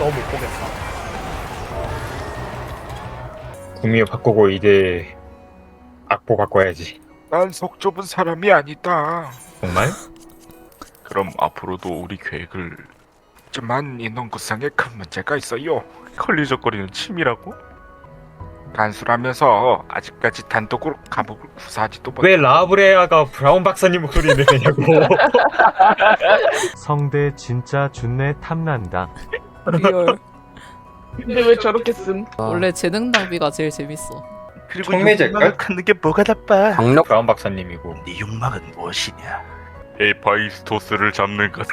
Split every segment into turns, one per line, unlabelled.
너무 못 보겠다.
구미호 바꾸고 이제 악보 바꿔야지.
난 속 좁은 사람이 아니다.
정말?
그럼 앞으로도 우리 계획을 하지만 인원구성에 큰 문제가 있어요. 걸리적거리는 침이라고? 간수라면서 아직까지 단독으로 감옥을 구사하지도 못.
왜 라브레아가 브라운 박사님 목소리를 내냐고.
성대 진짜 준내 탐난다.
리얼.
근데 왜 저렇게 쓴?
원래 재능 낭비가 제일 재밌어.
그리고
청매제일걸?
욕망을 갖는 게 뭐가 나빠?
강력
브라운 박사님이고.
네 욕망은 무엇이냐? 에파이스토스를 잡는 것.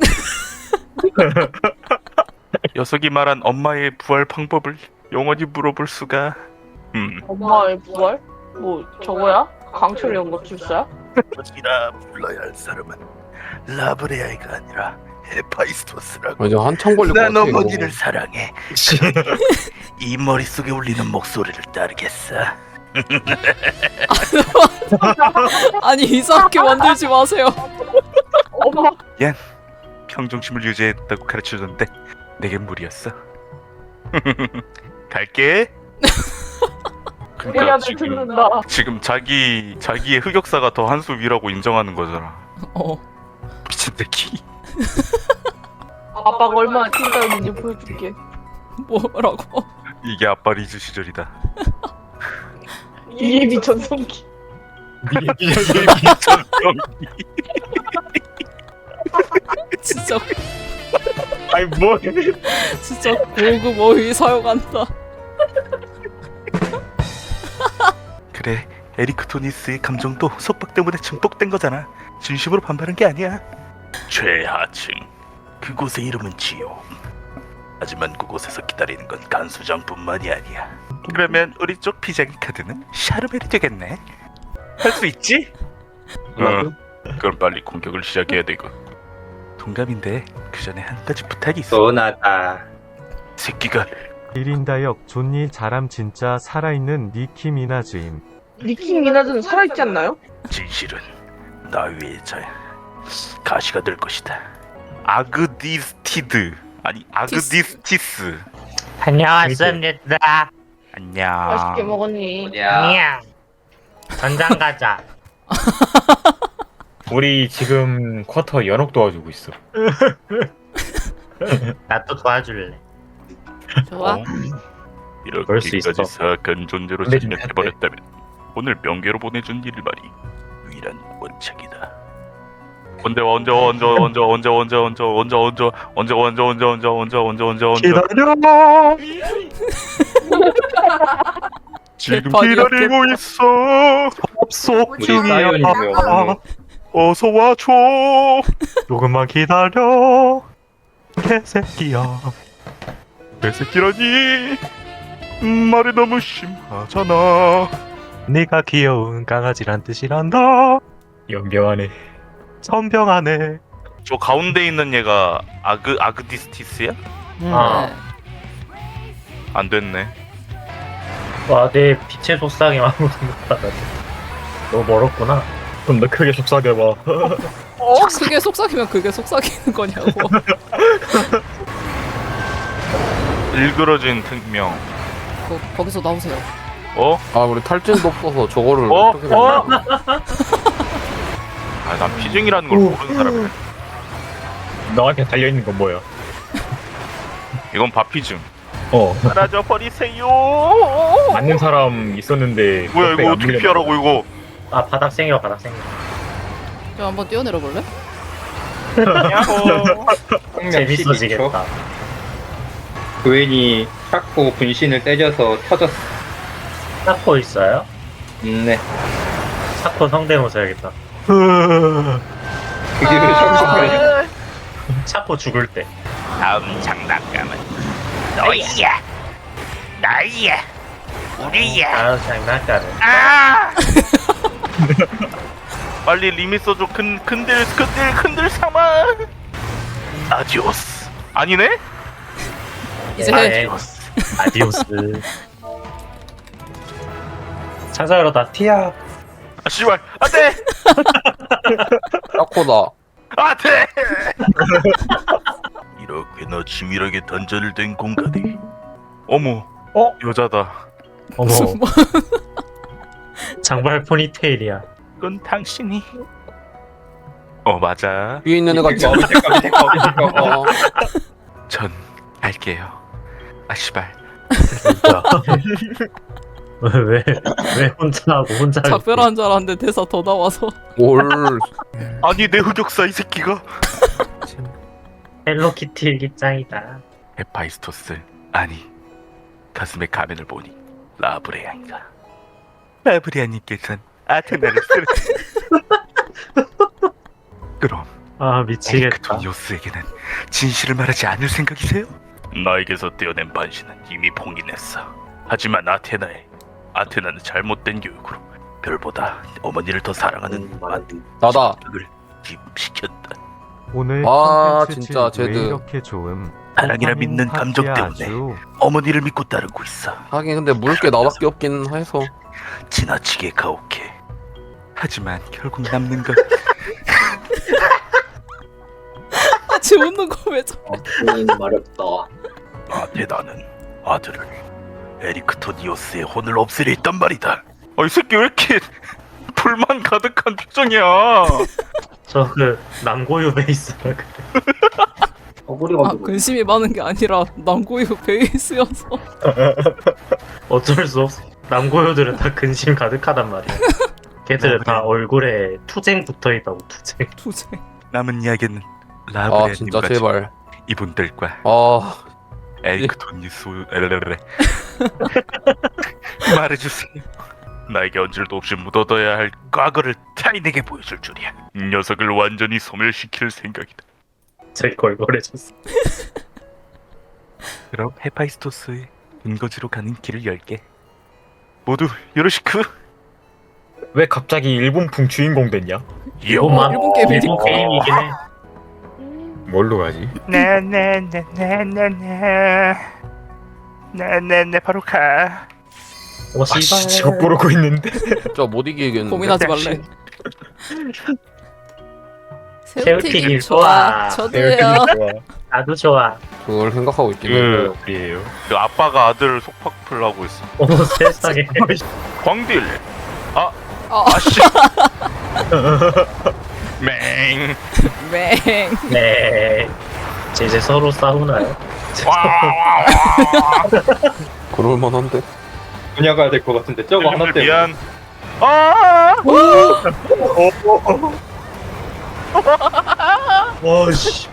녀석이 말한 엄마의 부활 방법을 영원히 물어볼 수가.
엄마의 부활? 뭐 저거야? 강철 연구출사야?
이라 불러야 할 사람은 라브레아이가 아니라 에파이스토스라고.
맞아 한참 걸릴 것
난
같아.
어머니를 사랑해. 이 머릿속에 울리는 목소리를 따르겠어.
아니 이상하게 만들지 마세요.
어머.
평정심을 유지했다고 가르쳐줬는데 내겐 무리였어. 갈게.
우리
그러니까
아들 듣는다.
지금 자기의 흑역사가 더 한 수 위라고 인정하는 거잖아.
어.
미친 새끼.
아빠가 얼마나 찐따였는지 보여줄게.
뭐라고?
이게 아빠 리즈 시절이다.
이예비 전성기.
진짜
아니 뭐?
진짜 고급 어휘 사용한다.
그래, 에리크 토니스의 감정도 속박 때문에 증폭된 거잖아. 진심으로 반발한 게 아니야. 최하층, 그곳의 이름은 지옥. 하지만 그곳에서 기다리는 건 간수장뿐만이 아니야. 그러면 우리 쪽 피자기 카드는 샤르벨이 되겠네. 할 수 있지? 응. 그럼 빨리 공격을 시작해야 되고. 동감인데 그 전에 한 가지 부탁이 있어.
뻔하다.
새끼가
1인다역 존니 자람 진짜 살아있는 니키 미나즈임.
니키 미나즈는 살아있지 않나요?
진실은 나 위에 가시가 될 것이다. 아그디스티드 아니 아그디스티스.
다녀왔습니다.
안녕.
맛있게 먹었니?
냥. 전장 가자.
우리 지금 쿼터 연옥 도와주고 있어.
나 또 도와줄래.
좋아.
그럴 수 있어.
이렇게까지 사악한 존재로
근데 좀
자신해버렸다면 오늘 명계로 보내준 일말이 유일한 원칙이다. 언제
기다려.
지금
개판이야,
기다리고
개판.
있어.
접속
우리
중이야.
사연이고요.
어서 와줘. 조금만 기다려. 개새끼야.
개새끼라니. 말이 너무 심하잖아.
네가 귀여운 강아지란 뜻이란다.
연병하네.
선병하네.
저 가운데 있는 얘가 아그디스티스야?
아.
네.
안 됐네.
와, 내 빛의 속삭임 아무도 못 받았네. 너무 멀었구나.
좀 더 크게 속삭여봐.
그게 속삭이면 그게 속삭이는 거냐고.
일그러진 특명.
거기서 나오세요.
어?
아 우리 탈진도 없어서 저거를
어?
어떻게 어?
아, 난 피증이라는 걸 모르는 사람이야.
너한테 달려있는 건 뭐야?
이건 바피증. 사라져 버리세요.
맞는 사람 있었는데.
뭐야
옆에
이거
안
어떻게
밀려나
피하라고 이거?
아, 바닥 생겨, 바닥 생겨.
좀 한번 뛰어내려 볼래?
야호.
재밌어지겠다.
그웬이 탁구 분신을 때려서 터졌어.
차코 있어요?
네.
차코 성대모사 해야겠다.
그게 왜 정말
차코 죽을 때.
다음 장난감은 너희야. 나이야. 우리야.
아, 장난감을.
아! 빨리 리밋 써줘. 큰들 삼아. 아디오스. 아니네?
이제
네. 아디오스. 창사열어다.
티야.
아 씨발. 안돼.
탁구다.
안돼. 이렇게나 치밀하게 단절된 공간이. 어머, 여자다.
어머,
무슨 뭐
장발 포니테일이야.
이건 당신이. 맞아.
위에 있는 애가 전 알게요. 아 씨발.
진짜.
왜 혼자 하고 혼자 하고.
작별한 줄 알았는데 대사 더 나와서
뭘?
아니 내 흑역사 이 새끼가.
헬로키티 일기장이다.
헤파이스토스 아니 가슴에 가면을 보니 라브레아인가. 라브레아님께선 아테나를 쓰러. 그럼
아 미치겠다.
에리크토니오스에게는 진실을 말하지 않을 생각이세요? 나에게서 떼어낸 반신은 이미 봉인했어. 하지만 아테나는 잘못된 교육으로 별보다 어머니를 더 사랑하는
나다.
을 기입시켰다.
오늘
아,
컨텐츠
진짜
왜
쟤들.
이렇게 좋음.
사랑이라 믿는 감정
파티야,
때문에
아주.
어머니를 믿고 따르고 있어.
하긴 근데 물을 게 나밖에 없긴 해서.
지나치게 가혹해. 하지만 결국 남는 건
같이 웃는 거 왜 저?
아테나는 아들을 에리크토니오스의 혼을 없애려 했단 말이다. 이 새끼 왜 이렇게 불만 가득한 표정이야.
저 그 남고유 베이스라 그래.
아 근심이 많은 게 아니라 남고유 베이스여서
어쩔 수 없어. 남고유들은 다 근심 가득하단 말이야. 걔들은 다 얼굴에 투쟁 붙어있다고 투쟁.
두세.
남은 이야기는
아 진짜
라브레아님과
제발.
이분들과
아
에리크토니스 말해주세요. 나에게 언질도 없이 묻어둬야 할 과거를 타인에게 보여줄 줄이야. 이 녀석을 완전히 소멸시킬 생각이다.
제일 걸걸해졌어.
그럼 헤파이스토스의 근거지로 가는 길을 열게. 모두 요로시크.
왜 갑자기 일본풍 주인공 됐냐?
일본만
일본 게임이니까.
일본 게임이긴 해.
뭘로 가지?
네네네네네네네네 바로 가.
오
아
씨발.
씨, 저거 모르고 있는데.
진짜 못 이기겠는데.
고민하지 말래.
새우튀김
새우튀김
좋아.
좋아. 저도요.
나도 좋아.
그걸 생각하고 있긴 해.
그래요.
그 아빠가 아들 속박풀 하고 있어.
어머 세상에.
광딜. 아씨. 맹.
맹.
네. 이제 서로 싸우나요?
그럴 만한데.
분야 가야 될 것 같은데 저거 하나 때문에.
미안.
와 씨.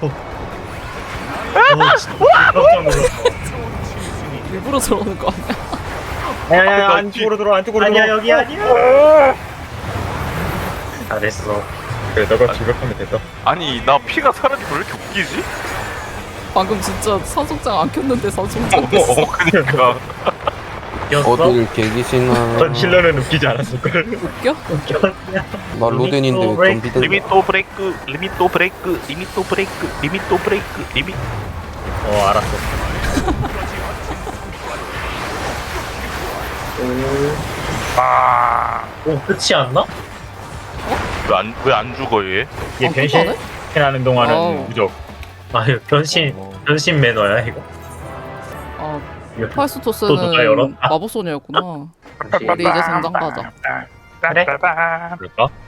진짜 깜짝 놀랐어.
일부러 저러는 거 아니야?
야야야 안쪽으로 들어 안쪽으로 들어.
아니야 여기 아니야. 잘했어.
그래 너가 진격하면 됐다.
아니 나 피가 사라지고 왜 이렇게 웃기지?
방금 진짜 산속장 안 켰는데 산속장 됐어.
그니까.
이겼어?
어딜 개기시나.
전 실러는 웃기지 않았을걸.
웃겨?
웃겼냐?
나 로덴인데 좀비된.
리미토 브레이크, 리미토 브레이크, 리미토 브레이크, 리미토 브레이크, 리미.
알았어. 오 끝이 안 나?
왜안 죽어 얘?
얘
끝나네?
변신하는 동안은
어.
무적.
아유 변신 매너야 이거.
아
이거 또 누가
파이스토스는
열었다.
마법소녀였구나. 우리 이제 성장 가자.
그래?
그럴까?